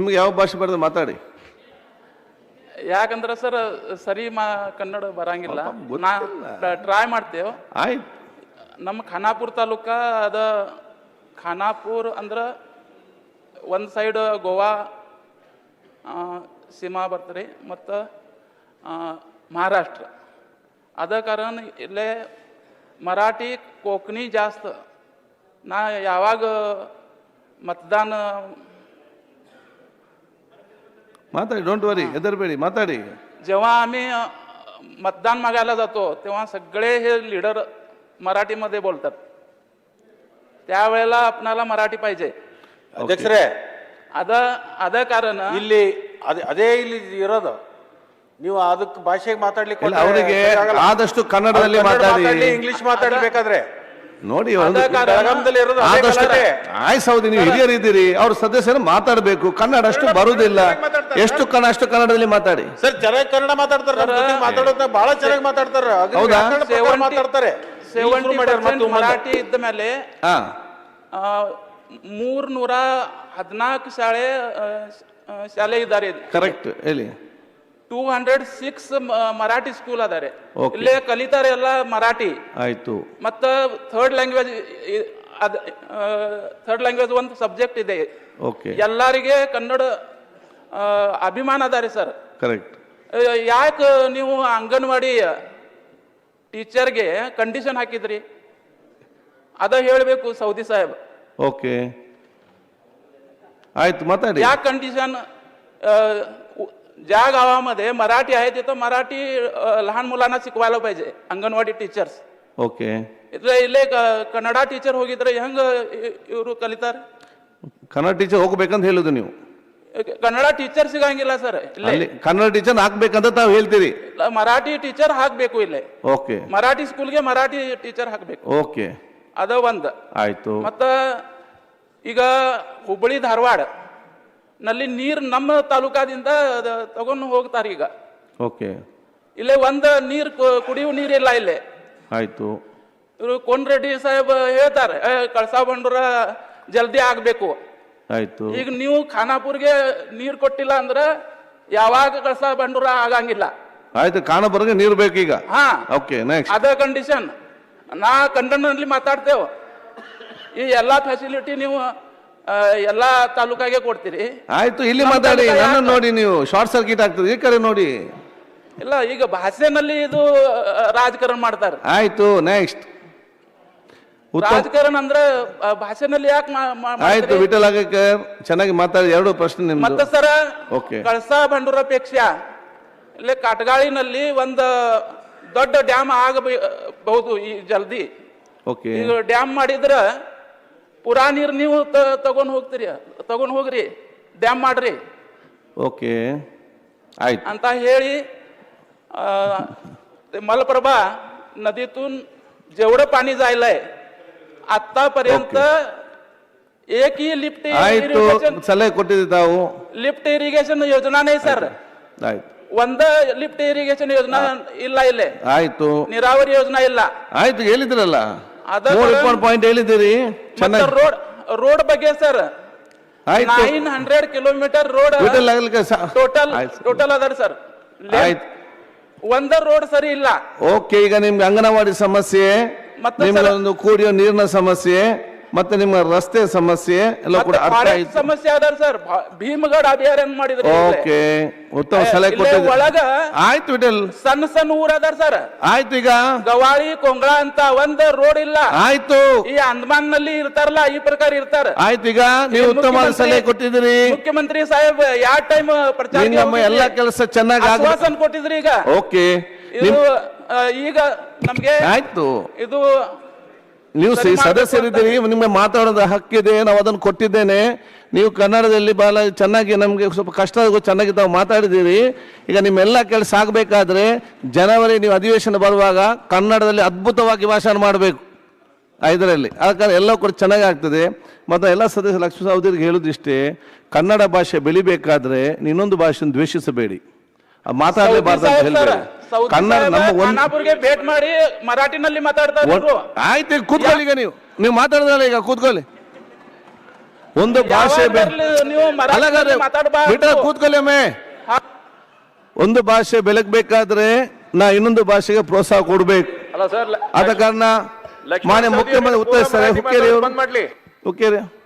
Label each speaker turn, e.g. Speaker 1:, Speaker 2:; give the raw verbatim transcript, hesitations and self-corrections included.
Speaker 1: ನಿಮ್ಗೆ ಯಾವ ಭಾಷೆ ಬರ್ತದೆ ಮಾತಾಡಿ.
Speaker 2: ಯಾಕಂದ್ರೆ ಸರ್ ಸರಿ ಮಾ ಕನ್ನಡ ಬರಂಗಿಲ್ಲ, ನಾ ಟ್ರೈ ಮಾಡ್ತೇವೆ.
Speaker 1: ಆಯ್ತು.
Speaker 2: ನಮ್ಮ ಖಾನಾಪುರ ತಾಲೂಕ ಅದ. ಖಾನಾಪುರ್ ಅಂದ್ರೆ ಒಂದು ಸೈಡ್ ಗೋವಾ ಸೀಮಾ ಬರ್ತದೆ ಮತ್ತು ಮಹಾರಾಷ್ಟ್ರ. ಅದ ಕಾರಣ ಇಲ್ಲೇ ಮರಾಠಿ कोकणी जास्त. ನಾ ಯಾವಾಗ मतदान
Speaker 1: माताड़ी, डोंट वरी, हेदरबेडी, माताड़ी.
Speaker 2: जेव्हा आम्ही मतदान मागायला जातो तेव्हा सगळे हे लीडर मराठीमध्ये बोलतात. त्यावेळेला आपणाला मराठी पाहिजे.
Speaker 3: ಅಧ್ಯಕ್ಷರೇ,
Speaker 2: ಅದ ಅದ ಕಾರಣ
Speaker 3: ಇಲ್ಲಿ ಅದೇ ಇಲ್ಲಿ ಇರೋದು, ನೀವು ಅದಕ್ಕೆ ಭಾಷೆಗೆ ಮಾತಾಡ್ಲಿಕ್ಕೆ
Speaker 1: ಅವರಿಗೆ ಆದಷ್ಟು ಕನ್ನಡದಲ್ಲಿ ಮಾತಾಡಿ,
Speaker 3: ಇಂಗ್ಲಿಷ್ ಮಾತಾಡ್ಬೇಕಾದ್ರೆ
Speaker 1: ನೋಡಿ. ಆಯ್ ಸೌದಿ, ನೀವು ಹಿರಿಯರಿದ್ದೀರಿ, ಅವ್ರ ಸದಸ್ಯರು ಮಾತಾಡಬೇಕು. ಕನ್ನಡ ಅಷ್ಟು ಬರುವುದಿಲ್ಲ, ಎಷ್ಟು ಕನ್ನಡ ಅಷ್ಟು ಕನ್ನಡದಲ್ಲಿ ಮಾತಾಡಿ.
Speaker 3: ಸರ್ ಚೆನ್ನಾಗಿ ಕನ್ನಡ ಮಾತಾಡ್ತಾರೆ, ಮಾತಾಡೋದ ಬಹಳ ಚೆನ್ನಾಗಿ ಮಾತಾಡ್ತಾರೆ.
Speaker 1: ಹೌದಾ?
Speaker 3: ಮಾತಾಡ್ತಾರೆ.
Speaker 2: ಮರಾಠಿ ಇದ್ದ ಮೇಲೆ ಮೂರ್ ನೂರ ಹದಿನಾಲ್ಕು ಶಾಲೆ ಶಾಲೆ ಇದ್ದಾರೆ.
Speaker 1: ಕರೆಕ್ಟ್ ಹೇಳಿ.
Speaker 2: Two hundred six Marathi school ಅದಾರೆ. ಇಲ್ಲೇ ಕಲಿತಾರೆ ಎಲ್ಲ ಮರಾಠಿ.
Speaker 1: ಆಯ್ತು.
Speaker 2: ಮತ್ತ ಥರ್ಡ್ ಲ್ಯಾಂಗ್ವೇಜ್ ಥರ್ಡ್ ಲ್ಯಾಂಗ್ವೇಜ್ ಒಂದು ಸಬ್ಜೆಕ್ಟ್ ಇದೆ. ಎಲ್ಲರಿಗೆ ಕನ್ನಡ ಅಭಿಮಾನ ಅದಾರೆ ಸರ್.
Speaker 1: ಕರೆಕ್ಟ್.
Speaker 2: ಯಾಕೆ ನೀವು ಅಂಗನವಾಡಿ ಟೀಚರ್ಗೆ ಕಂಡೀಷನ್ ಹಾಕಿದ್ರಿ? ಅದ ಹೇಳಬೇಕು ಸೌದಿ ಸಾಹೇಬ್.
Speaker 1: ಓಕೆ ಆಯ್ತು, ಮಾತಾಡಿ.
Speaker 2: या कंडिशन ज्या गावामध्ये मराठी आहे तिथं मराठी लहान मुलांना शिकवायला पाहिजे अंगणवाडी टीचर्स.
Speaker 1: ಓಕೆ.
Speaker 2: ಇಲ್ಲೇ ಕನ್ನಡ ಟೀಚರ್ ಹೋಗಿದ್ರೆ ಹೆಂಗ ಇವರು ಕಲಿತಾರೆ?
Speaker 1: ಕನ್ನಡ ಟೀಚರ್ ಹೋಗ್ಬೇಕಂತ ಹೇಳುದು ನೀವು.
Speaker 2: ಕನ್ನಡ ಟೀಚರ್ ಸಿಗಂಗಿಲ್ಲ ಸರ್.
Speaker 1: ಇಲ್ಲಿ ಕನ್ನಡ ಟೀಚರ್ ಹಾಕ್ಬೇಕಂತ ತಾವು ಹೇಳ್ತೀರಿ.
Speaker 2: ಮರಾಠಿ ಟೀಚರ್ ಹಾಕ್ಬೇಕು ಇಲ್ಲೇ.
Speaker 1: ಓಕೆ.
Speaker 2: ಮರಾಠಿ ಸ್ಕೂಲ್ಗೆ ಮರಾಠಿ ಟೀಚರ್ ಹಾಕ್ಬೇಕು.
Speaker 1: ಓಕೆ,
Speaker 2: ಅದ ಒಂದ್
Speaker 1: ಆಯ್ತು.
Speaker 2: ಮತ್ತ ಈಗ ಹುಬ್ಬಳ್ಳಿ ಧಾರವಾಡ ನಲ್ಲಿ ನೀರು ನಮ್ಮ ತಾಲೂಕಾದಿಂದ ತಗೊಂಡು ಹೋಗ್ತಾರೆ ಈಗ.
Speaker 1: ಓಕೆ.
Speaker 2: ಇಲ್ಲೇ ಒಂದ್ ನೀರ್ ಕುಡಿಯುವ ನೀರಿಲ್ಲ ಇಲ್ಲೇ.
Speaker 1: ಆಯ್ತು.
Speaker 2: ಇವರು ಕೋನ್ ರೆಡ್ಡಿ ಸಾಹೇಬ್ ಹೇಳ್ತಾರೆ ಕಳಸಾ ಬಂಡೂರ ಜಲ್ದಿ ಆಗ್ಬೇಕು.
Speaker 1: ಆಯ್ತು.
Speaker 2: ಈಗ ನೀವು ಖಾನಾಪುರ್ಗೆ ನೀರ್ ಕೊಟ್ಟಿಲ್ಲ ಅಂದ್ರೆ ಯಾವಾಗ ಕಳಸಾ ಬಂಡೂರ ಆಗಂಗಿಲ್ಲ.
Speaker 1: ಆಯ್ತು, ಖಾನಾಪುರ್ಗೆ ನೀರು ಬೇಕು ಈಗ.
Speaker 2: ಹಾ,
Speaker 1: ಓಕೆ, ನೆಕ್ಸ್ಟ್.
Speaker 2: ಅದ ಕಂಡೀಷನ್. ನಾ ಕನ್ನಡದಲ್ಲಿ ಮಾತಾಡ್ತೇವೆ. ಈ ಎಲ್ಲಾ ಫೆಸಿಲಿಟಿ ನೀವು ಎಲ್ಲಾ ತಾಲೂಕಾಗೆ ಕೊಡ್ತೀರಿ.
Speaker 1: ಆಯ್ತು, ಇಲ್ಲಿ ಮಾತಾಡಿ. ನನ್ನ ನೋಡಿ, ನೀವು ಶಾರ್ಟ್ ಸರ್ಕ್ಯೂಟ್ ಆಗ್ತದೆ. ಈ ಕಡೆ ನೋಡಿ.
Speaker 2: ಇಲ್ಲ, ಈಗ ಭಾಷೆನಲ್ಲಿ ಇದು ರಾಜಕಾರಣ ಮಾಡ್ತಾರೆ.
Speaker 1: ಆಯ್ತು, ನೆಕ್ಸ್ಟ್.
Speaker 2: ರಾಜಕಾರಣ ಅಂದ್ರೆ ಭಾಷೆನಲ್ಲಿ ಯಾಕೆ?
Speaker 1: ಆಯ್ತು, ವಿಠಲ್ ಆಗೇಕರ್ ಚೆನ್ನಾಗಿ ಮಾತಾಡಿ. ಎರಡು ಪ್ರಶ್ನೆ ನಿಮ್ದು.
Speaker 2: ಮತ್ತೆ ಸರ,
Speaker 1: ಓಕೆ.
Speaker 2: ಕಳಸಾ ಬಂಡೂರಪೇಕ್ಷ ಇಲ್ಲೇ ಕಾಟಗಾಳಿನಲ್ಲಿ ಒಂದು ದೊಡ್ಡ ಡ್ಯಾಮ್ ಆಗಬಹುದು ಈ ಜಲ್ದಿ.
Speaker 1: ಓಕೆ.
Speaker 2: ಈಗ ಡ್ಯಾಮ್ ಮಾಡಿದ್ರ ಪುರಾ ನೀರು ನೀವು ತಗೊಂಡ್ ಹೋಗ್ತೀರಿ, ತಗೊಂಡ್ ಹೋಗ್ರಿ, ಡ್ಯಾಮ್ ಮಾಡ್ರಿ.
Speaker 1: ಓಕೆ, ಆಯ್ತು
Speaker 2: ಅಂತ ಹೇಳಿ मलप्रभा नदीतून जेवढं पाणी जायलंय आतापर्यंत एकही लिफ्ट इरिगेशन
Speaker 1: सलहे ಕೊಟ್ಟಿದೆ ತಾವು.
Speaker 2: लिफ्ट इरिगेशन योजना नाही सर.
Speaker 1: ಆಯ್ತು.
Speaker 2: ಒಂದ ಲಿಫ್ಟ್ ಇರಿಗೇಷನ್ ಯೋಜನಾ ಇಲ್ಲ ಇಲ್ಲೇ.
Speaker 1: ಆಯ್ತು.
Speaker 2: ನೀರಾವರಿ ಯೋಜನಾ ಇಲ್ಲ.
Speaker 1: ಆಯ್ತು, ಹೇಳಿದ್ರಲ್ಲ ಪಾಯಿಂಟ್ ಹೇಳಿದಿರಿ.
Speaker 2: ರೋಡ್ ರೋಡ್ ಬಗ್ಗೆ sir nine hundred kilometre road total total ಅದ ಸರ್. ಒಂದ ರೋಡ್ ಸರಿ ಇಲ್ಲ.
Speaker 1: ಓಕೆ, ಈಗ ನಿಮ್ಗೆ ಅಂಗನವಾಡಿ ಸಮಸ್ಯೆ, ನಿಮ್ಗೆ ಒಂದು ಕುಡಿಯೋ ನೀರಿನ ಸಮಸ್ಯೆ, ಮತ್ತೆ ನಿಮ್ಮ ರಸ್ತೆ ಸಮಸ್ಯೆ ಎಲ್ಲ ಕೂಡ ಅರ್ಥ ಆಯ್ತು.
Speaker 2: ಸಮಸ್ಯೆ ಅದ ಸರ್. ಭೀಮಗಢ ಅಭಯಾರಣ್ಯ ಮಾಡಿದ್ರೆ
Speaker 1: ಓಕೆ, ಉತ್ತಮ ಸಲಹೆ ಕೊಟ್ಟಿದ್ದೀರಿ.
Speaker 2: ಒಳಗ
Speaker 1: ಆಯ್ತು ವಿಠಲ್,
Speaker 2: ಸಣ್ಣ ಸಣ್ಣ ಊರ ಅದಾರ ಸರ್.
Speaker 1: ಆಯ್ತು. ಈಗ
Speaker 2: ಗವಾಳಿ ಕೊಂಗಳ ಅಂತ ಒಂದ್ ರೋಡ್ ಇಲ್ಲ.
Speaker 1: ಆಯ್ತು.
Speaker 2: ಈ ಅಂದಮಾನ್ ನಲ್ಲಿ ಇರ್ತಾರಲ್ಲ ಈ ಪ್ರಕಾರ ಇರ್ತಾರ.
Speaker 1: ಆಯ್ತು, ಈಗ ನೀವು ಉತ್ತಮ ಸಲಹೆ ಕೊಟ್ಟಿದ್ದೀರಿ.
Speaker 2: ಮುಖ್ಯಮಂತ್ರಿ ಸಾಹೇಬ್ ಯಾವ ಟೈಮ್ ಪ್ರಚಾರ
Speaker 1: ಎಲ್ಲ ಕೆಲಸ ಚೆನ್ನಾಗಿ
Speaker 2: ಆಶ್ವಾಸನೆ ಕೊಟ್ಟಿದ್ರಿ. ಈಗ
Speaker 1: ಓಕೆ,
Speaker 2: ಈಗ ನಮ್ಗೆ
Speaker 1: ಆಯ್ತು.
Speaker 2: ಇದು
Speaker 1: ನೀವು ಸದಸ್ಯರಿದ್ದೀರಿ, ನಿಮಗೆ ಮಾತಾಡೋದ ಹಕ್ಕಿದೆ, ನಾವು ಅದನ್ನು ಕೊಟ್ಟಿದ್ದೇನೆ. ನೀವು ಕನ್ನಡದಲ್ಲಿ ಬಹಳ ಚೆನ್ನಾಗಿ, ನಮಗೆ ಸ್ವಲ್ಪ ಕಷ್ಟ ಚೆನ್ನಾಗಿ ತಾವು ಮಾತಾಡಿದ್ದೀರಿ. ಈಗ ನಿಮ್ಮೆಲ್ಲ ಕೆಲಸ ಆಗಬೇಕಾದ್ರೆ ಜನವರಿ ನೀವು ಅಧಿವೇಶನ ಬರುವಾಗ ಕನ್ನಡದಲ್ಲಿ ಅದ್ಭುತವಾಗಿ ಭಾಷಣ ಮಾಡಬೇಕು ಐದರಲ್ಲಿ. ಆದ ಕಾರಣ ಎಲ್ಲ ಕೂಡ ಚೆನ್ನಾಗಿ ಆಗ್ತದೆ. ಮತ್ತು ಎಲ್ಲ ಸದಸ್ಯ ಲಕ್ಷ್ಮೀ ಸಹೋದರಿಗೆ ಹೇಳೋದಿಷ್ಟೇ, ಕನ್ನಡ ಭಾಷೆ ಬೆಳಿಬೇಕಾದ್ರೆ ಇನ್ನೊಂದು ಭಾಷೆಯನ್ನು ದ್ವೇಷಿಸಬೇಡಿ, ಮಾತಾಡಲೇಬಾರ್ದು ಅಂತ ಹೇಳ್ಬೇಡಿ. ಕನ್ನಡ ನಮ್ಮ
Speaker 2: ಒಂದು ಭೇಟ್ ಮಾಡಿ ಮರಾಠಿನಲ್ಲಿ ಮಾತಾಡ್ತಾರೆ.
Speaker 1: ಆಯ್ತು, ಕೂತ್ಕೊಳ್ಳಿ. ಈಗ ನೀವು ನೀವು ಮಾತಾಡಿದ್ರೆ ಈಗ ಕೂತ್ಕೊಳ್ಳಿ. ಒಂದು ಭಾಷೆ ಬೆ-
Speaker 2: ಯಾವಾಗ್ಲೂ ನೀವು
Speaker 1: ಅಲ್ಲಗಾದ್ರೆ
Speaker 2: ಮರಾಠಿಯಲ್ಲಿ ಮಾತಾಡಬಾರ್ದು.
Speaker 1: ಬಿಟ್ರೆ ಕೂತ್ಕೊಳ್ಳಿ ಒಮ್ಮೆ.
Speaker 2: ಹಾ.
Speaker 1: ಒಂದು ಭಾಷೆ ಬೆಳಗ್ಬೇಕಾದ್ರೆ ನಾ ಇನ್ನೊಂದು ಭಾಷೆಗೆ ಪ್ರೋತ್ಸಾಹ ಕೊಡ್ಬೇಕು.
Speaker 4: ಅಲ್ಲ ಸರ್
Speaker 1: ಆದ ಕಾರಣ ಮಾನ್ಯ ಮುಖ್ಯಮಂತ್ರಿ ಉತ್ತರಿಸ್ತಾರೆ. ಹುಕ್ಕೇರಿ ಅವರು
Speaker 4: ಬಂದ್ ಮಾಡ್ಲಿ
Speaker 1: ಹುಕ್ಕೇರಿ